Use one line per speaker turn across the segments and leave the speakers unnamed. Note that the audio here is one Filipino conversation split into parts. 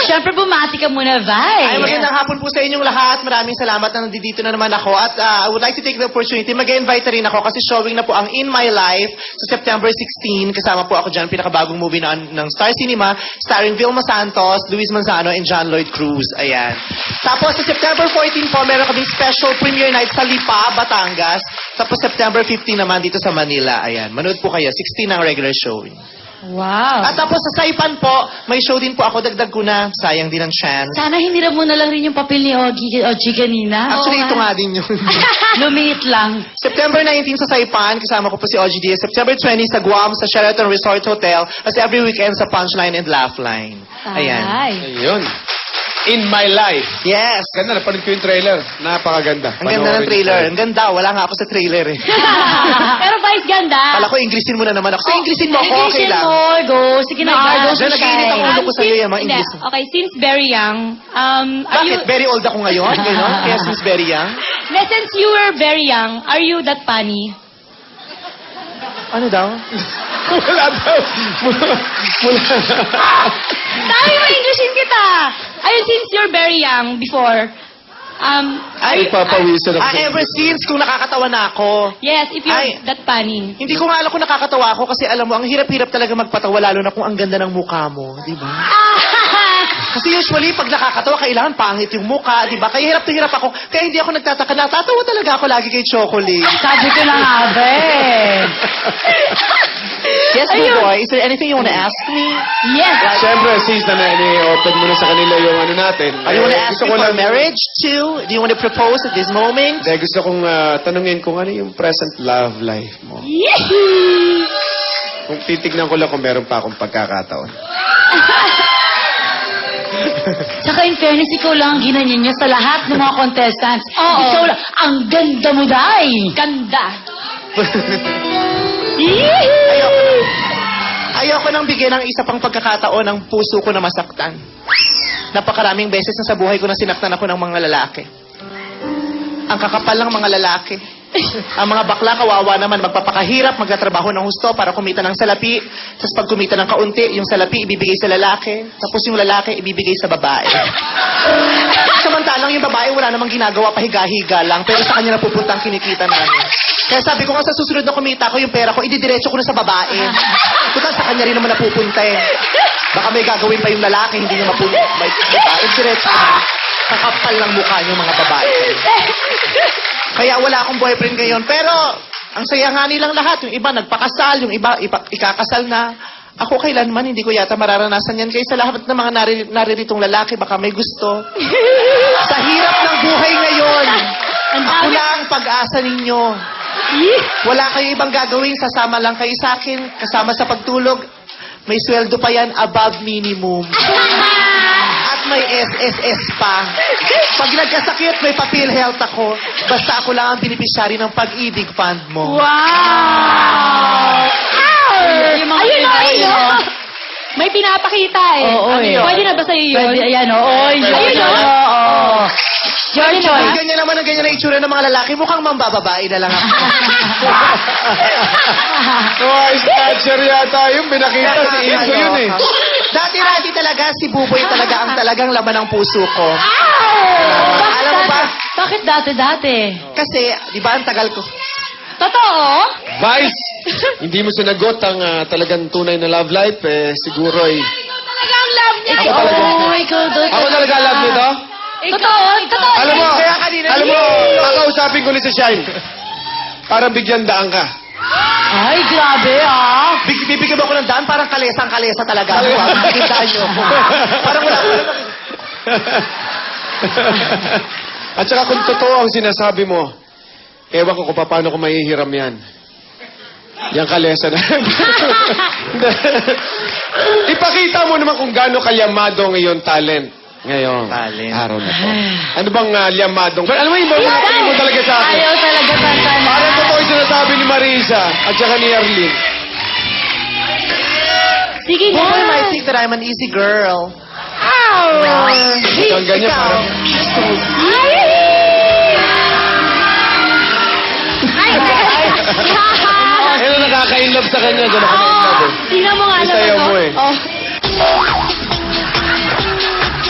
Siyempre, bumati ka muna, Vi.
Ay, magandang hapon po sa inyong lahat. Maraming salamat na nandito na naman ako. At I would like to take the opportunity, mag-invite rin ako kasi showing na po ang In My Life sa September 16. Kasama po ako dyan, pinakabagong movie ng Star Cinema, starring Vilma Santos, Luis Manzano, and John Lloyd Cruz. Ayan. Tapos sa September 14 po, meron kaming special premiere night sa Lipa, Batangas. Tapos September 15 naman dito sa Manila. Ayan. Manood po kayo. 16 ang regular show.
Wow.
At tapos sa Saipan po, may show din po ako. Dagdag ko na. Sayang din ang chance.
Sana hiniram mo na lang rin yung papel ni Ogie kanina.
Actually,
Oo
ito
nga.
nga din yun.
Lumiit lang.
September 19 sa Saipan, kasama ko po si OG Diaz. September 20 sa Guam, sa Sheraton Resort Hotel. As every weekend sa Punchline and Laughline. Ayan.
Ay.
Ayun. In My Life.
Yes!
Ganda, napanood ko yung trailer. Napakaganda.
Ang ganda ng trailer. Ang ganda. Wala nga ako sa trailer eh.
Pero Vice, ganda.
Kala ko, Inglesin mo na naman ako. So, Inglesin mo ako, okay
Inglesin
lang.
mo, go. Sige na, go.
Diyan nag-iinit ang ulo ko sa'yo yung mga Ingles.
Okay, since very young, are you...
Bakit? Very old ako ngayon? Ganon? Kaya since very young?
Since you were very young, are you that funny?
Ano daw?
Wala daw.
Sabi mo, Englishin kita! Ayun, since you're very young, before,
Ay,
Papawisan ako.
ever since kung nakakatawa na ako.
yes, if you're
Ay.
that funny.
Hindi ko nga alam kung nakakatawa ako kasi alam mo, ang hirap-hirap talaga magpatawa lalo na kung ang ganda ng mukha mo, di ba? Kasi usually, pag nakakatawa, kailangan pangit yung mukha, di ba? Kaya hirap na hirap ako. Kaya hindi ako nagtataka. Natatawa talaga ako lagi kay Chocolate.
Sabi ko na nga, be.
Yes, boy. Is there anything you want to ask me?
Yes.
Siyempre, since na ni-open mo na sa kanila yung ano natin.
Are you want to ask
gusto
me
ko
for
lang-
marriage too? Do you want to propose at this moment?
Hindi, gusto kong tanungin kung ano yung present love life mo. Kung titignan ko lang kung meron pa akong pagkakataon.
Tsaka in fairness, ikaw lang ang ginanyan niya sa lahat ng mga contestants.
Oo.
Ikaw lang. Ang ganda mo, Day.
Ganda.
Ayoko nang bigyan ng isa pang pagkakataon ng puso ko na masaktan. Napakaraming beses na sa buhay ko na sinaktan ako ng mga lalaki. Ang kakapal ng mga lalaki. Ang mga bakla, kawawa naman, magpapakahirap, magtatrabaho ng husto para kumita ng salapi. Tapos pag kumita ng kaunti, yung salapi ibibigay sa lalaki. Tapos yung lalaki ibibigay sa babae. Samantalang yung babae wala namang ginagawa, pahiga-higa lang. Pero sa kanya napupunta ang kinikita namin. Kaya sabi ko nga sa susunod na kumita ko yung pera ko, ididiretso ko na sa babae. Puta, sa kanya rin naman napupunta eh. Baka may gagawin pa yung lalaki, hindi niya mapunta. May diretso na. Kakapal ng mukha niyo mga babae. Kaya wala akong boyfriend ngayon. Pero, ang saya nga nilang lahat. Yung iba nagpakasal, yung iba ikakasal na. Ako kailanman, hindi ko yata mararanasan yan. Kaya sa lahat ng mga nariritong lalaki, baka may gusto. Sa hirap ng buhay ngayon, ako lang ang pag-asa ninyo. Wala kayo ibang gagawin, sasama lang kayo sa akin, kasama sa pagtulog. May sweldo pa yan, above minimum. At may SSS pa. Pag nagkasakit, may papil health ako. Basta ako lang ang beneficiary ng pag-ibig fund mo.
Wow!
Yung mga
Ayun o,
pinay,
ayun
no?
o. May pinapakita eh.
Oo,
Ano
eh.
yun?
Pwede na ba sa'yo yun?
Pwede, ayan, oo.
Ayun, oh.
Oo. Your
Kung
choice.
ganyan naman ang ganyan na itsura ng mga lalaki, mukhang mambababae na lang ako.
Oh, snatcher yata yung binakita si Inso yun eh.
Dati talaga, si Buboy talaga ang talagang laman ng puso ko. Alam mo ba?
Bakit dati-dati?
Kasi, di ba, ang tagal ko.
Totoo?
Vice, hindi mo sinagot ang talagang tunay na love life, siguro ay...
Talagang love niya.
Ako talaga.
Oh, ikaw doon.
Ako talaga love nito?
Totoo? Totoo?
Alam mo,
Kaya kanina,
kakausapin ko ni si Shine. Parang bigyan daan ka.
Ay, grabe ah.
Bibigyan mo ako ng daan, parang kalesang-kalesa talaga. Makikindaan niyo ako. Parang wala ko.
At saka kung totoo ang sinasabi mo, ewan ko kung paano ko mahihiram yan. Yang kalesa na. Ipakita mo naman kung gaano kayamado ang iyong talent. Ngayon,
Talent.
araw na to. Ano bang liyamadong? Pero alam mo, ibang mo talaga sa akin.
Ayaw talaga tantan.
Parang totoo yung sinasabi ni Marisa at saka ni Arlene.
Sige na.
Boy might think that I'm an easy girl.
Ang ganyan,
Ikaw.
parang... Ano nakaka-inlove sa kanya? Gano'n ka na-inlove eh.
Tingnan mo nga
Isayaw
naman,
mo
oh.
eh.
Oh.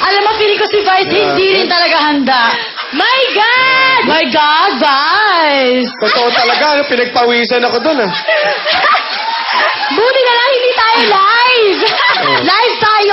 Alam mo, feeling ko si Vice hindi rin talaga handa.
My God!
My God, Vice!
Totoo talaga, pinagpawisan ako dun ah.
Buti na lang hindi tayo live!
Live tayo!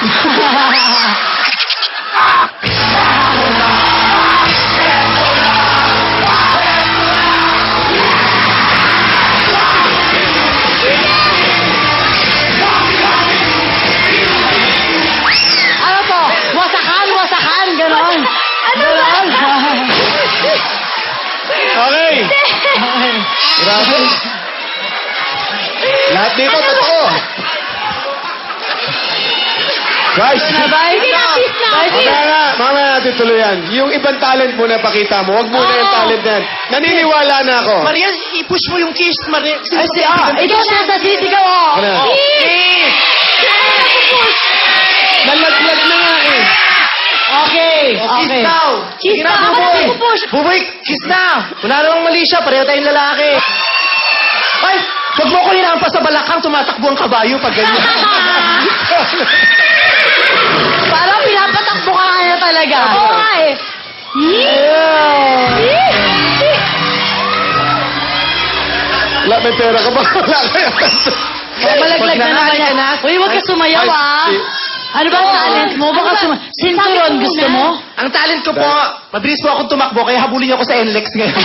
Ano po? Wasakan, ganon.
Ano ba?
Okay. Grabe. Lahat dito, totoo. Guys,
Na, Vice?
Sige na, kiss na.
Vice,
mamaya natin tuloy yan. Yung ibang talent mo na pakita mo, wag muna yung talent na yan. Naniniwala na ako.
Maria, i-push mo yung kiss, Maria.
Ay, ikaw na sa sisigaw, oh.
Ano?
Kiss!
Nalaglag na nga eh.
Okay,
Kiss
okay.
daw.
Kiss
Sige na,
na,
Buboy.
ako na pupush.
Buboy, kiss na. Wala namang mali siya, pareho tayong lalaki. Ay, huwag mo ko hinampas sa balakang, tumatakbo ang kabayo pag ganyan.
Parang pinapatakbo ka nga na talaga.
Oo nga eh.
Wala, may pera ka ba? Wala kaya.
Malaglag na naman yan. Uy, huwag ka sumayaw,
Ay,
ah. Ano ba ang talent mo? Baka Sinturon, gusto mo?
Ang talent ko po, mabilis po akong tumakbo, kaya habulin niyo ako sa NLEX ngayon.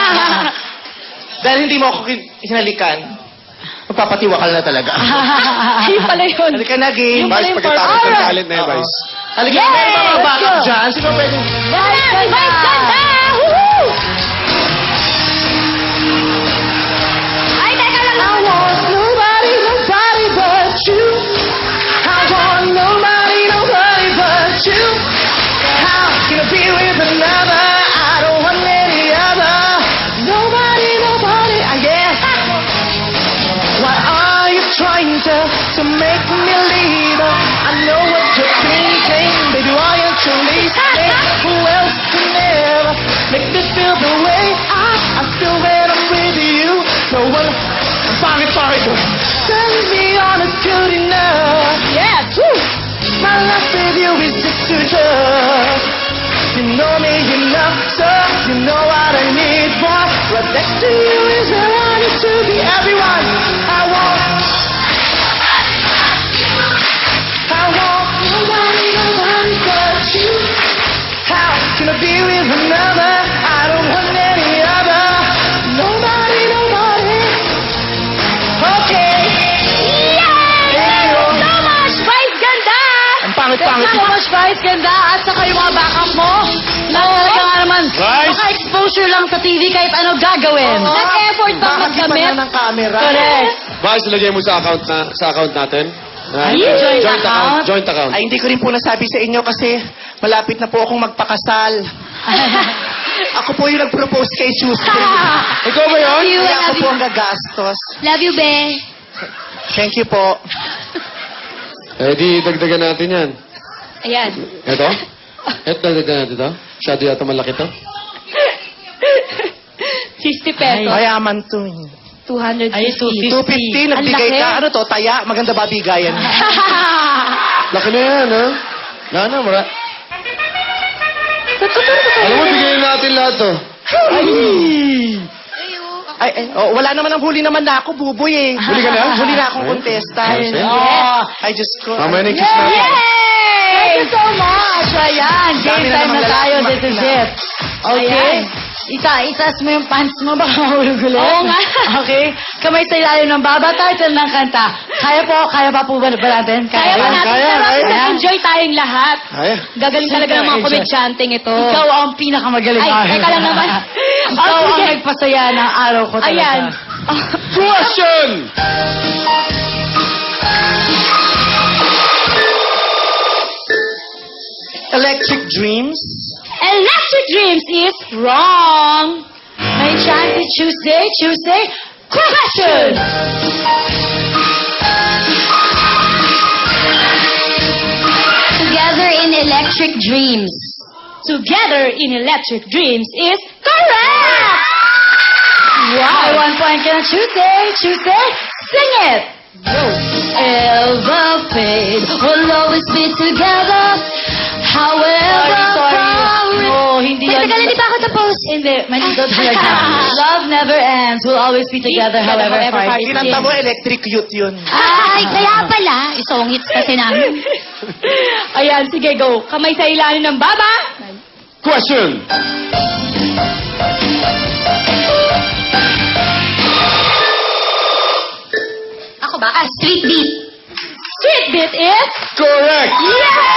Dahil hindi mo ako hinalikan, magpapatiwakal na talaga.
Ayun pala yun.
Halika na, game.
Vice, pagkatapos ng talent na yun, Vice.
Halika na,
Yay!
mga backup
Let's go.
dyan. Sino pwede?
Vice,
Vice ganda! Woohoo! Ay, teka lang.
I want nobody but you. I want nobody but you. How can I be with another? I don't want any other. Nobody, yeah. Why are you trying to make me leave? I know what you're thinking, baby. Why aren't you listening? Who else can ever make me feel the way I feel when I'm with you? No one. Sorry. Tell me honest, good enough.
Yes.
Woo. My life with you is just too tough. You know me enough, so you know what I need, boy. Right next to you is where I need to be. Everyone, I want nobody but you. How can I be with another? I don't want any other. Nobody. Okay.
Yay! So much! Vice ganda!
Ang pangit.
Thank you so much, Vice. Ganda. At saka yung mga backup mo. Na talaga nga naman,
Vice.
maka-exposure lang sa TV kahit ano gagawin.
Nag-effort bang
Bakit
magdamit?
na ng camera?
Correct.
Vice, lagay mo sa account natin.
Ay, joint account.
Joint account.
Ay, hindi ko rin po nasabi sa inyo kasi malapit na po akong magpakasal. Ako po yung nag-propose kay Tuesday.
Ikaw ba yun?
Kaya ako po ang gagastos.
Love you, be.
Thank you po.
Eh, di dagdagan natin yan.
Ayan.
Ito? Ito, dagdagan natin ito? Masyado yata malaki to.
50 pesos.
Mayaman to.
250.
Ay,
250, nagbigay
Ang laki.
ka. Ano to? Taya? Maganda ba bigayan?
Laki na yan, ha? Mara. Alam mo, bigayin natin lahat to.
Wala naman ang huli naman na ako, buboy eh.
Huli ka na?
Huli na akong contestant.
Yes.
Yes. I just ko.
Mamaya na yung kiss natin.
Thank you so much. Ayan, game
Dami na
time
naman
na tayo.
lalaki
This is
makina.
it. Okay. Itaas mo yung pants mo, baka mahulog ulit.
Oo nga.
Okay. Kamay sa ilalim ng baba, title ng kanta. Kaya pa po ba natin?
Kaya pa natin.
kaya,
Pero
kaya.
nag-enjoy tayong lahat.
Ay,
Gagaling talaga ng mga komedyanteng ito.
Ikaw ang pinakamagaling.
Ay, teka lang naman.
Ikaw
Oh,
ang
sige.
nagpasaya ng araw ko talaga.
Ayan.
question!
Electric Dreams.
Electric Dreams is wrong.
May chance Tuesday. Question!
Together in Electric Dreams. Together in Electric Dreams is correct!
Wow. 1 point ka na Tuesday. Sing it! Ever fade, we'll always be together. However,
Sorry.
No, hindi yun.
Teka, hindi pa ako tapos.
Hindi, malido talaga. Love never ends. We'll always be together, however far it
Kinanta mo,
is.
electric youth yun.
Ay, kaya pala. Isong hits kasi namin. Ayan, sige, go. Kamay sa ilalim ng baba.
Question.
Ako ba? Street beat. Street beat is...
Correct.
Yes!